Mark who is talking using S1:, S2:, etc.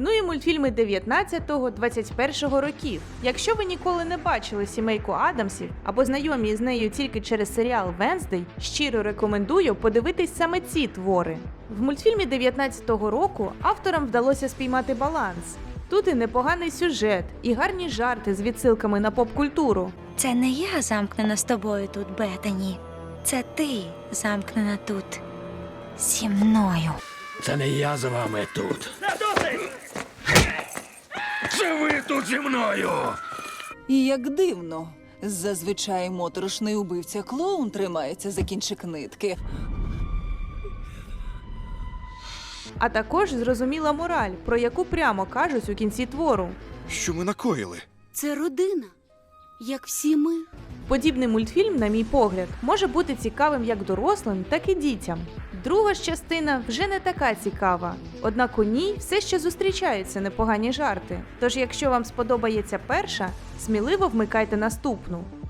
S1: Ну і мультфільми 19-21 років. Якщо ви ніколи не бачили сімейку Адамсів або знайомі з нею тільки через серіал Венздей, щиро рекомендую подивитись саме ці твори. В мультфільмі 19-го року авторам вдалося спіймати баланс. Тут і непоганий сюжет, і гарні жарти з відсилками на поп-культуру.
S2: Це не я замкнена з тобою тут, Бетані. Це ти замкнена тут зі мною.
S3: Це не я з вами тут. Це ви тут зі мною!
S4: І як дивно, зазвичай моторошний убивця-клоун тримається за кінчик нитки.
S1: А також зрозуміла мораль, про яку прямо кажуть у кінці твору.
S5: Що ми накоїли?
S6: Це родина, як всі ми.
S1: Подібний мультфільм, на мій погляд, може бути цікавим як дорослим, так і дітям. Друга ж частина вже не така цікава, однак у ній все ще зустрічаються непогані жарти. Тож, якщо вам сподобається перша, сміливо вмикайте наступну.